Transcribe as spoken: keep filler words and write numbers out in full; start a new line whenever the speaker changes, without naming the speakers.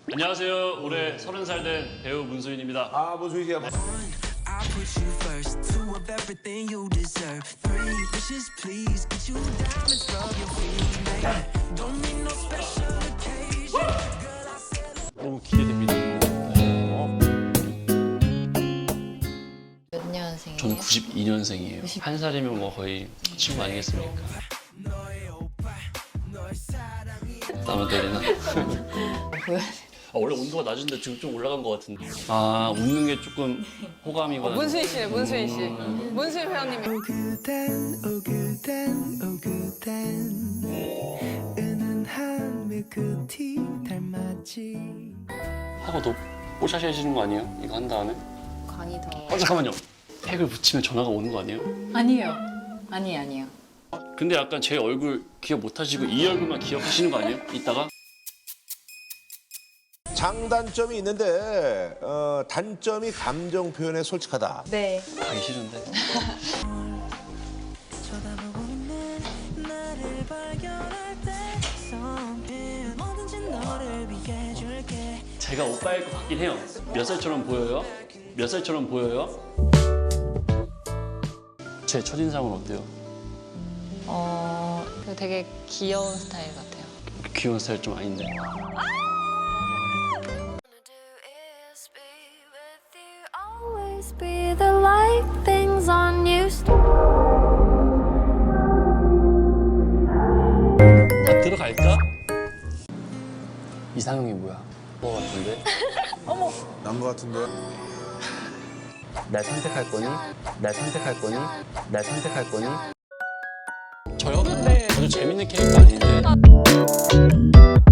안녕하세요. 올해 서른 살 된 배우 문수인입니다.
아, 문수인 씨야.
I put you first, two of everything you deserve. Three wishes, please. Get you diamonds, rub your feet, baby. Don't need no special occasion. Girl, I said.
너무 기대됩니다.
몇 년생이에요?
저는 구십이 년생이에요. 한 살이면 뭐 거의 친구 아니겠습니까? 땀을 때리나? 아, 원래 온도가 낮은데 지금 좀 올라간 것 같은데. 아, 웃는 게 조금 호감이거나.
문수인 씨네, 문수인 씨. 문수인 회원님이.
오그단, 오그단, 오그단. 은은한 밀크티 닮았지.
하고 더 뽀샤시해지는 거 아니에요? 이거 한 다음에?
간이 더...
어, 잠깐만요. 택을 붙이면 전화가 오는 거 아니에요?
아니에요. 아니, 아니에요.
근데 약간 제 얼굴 기억 못 하시고 이 얼굴만 기억하시는 거 아니에요? 이따가?
장단점이 있는데 어, 단점이 감정 표현에 솔직하다.
네.
가기 싫은데.
쳐다보고 있는 나를 발견할 때 something 뭐든지 너를 위해 줄게.
제가 오빠일 것 같긴 해요. 몇 살처럼 보여요? 몇 살처럼 보여요? 제 첫인상은 어때요?
어... 되게 귀여운 스타일 같아요.
귀여운 스타일 좀 아닌데.
Always be the light things on you.
자, 들어갈까? 이상형이 뭐야? 뭐 같은데?
난 거 같은데.
날 선택할 거니? 날 선택할 거니? 날 선택할 거니? 저요? 네. 아주 재밌는 캐릭터 아닌데.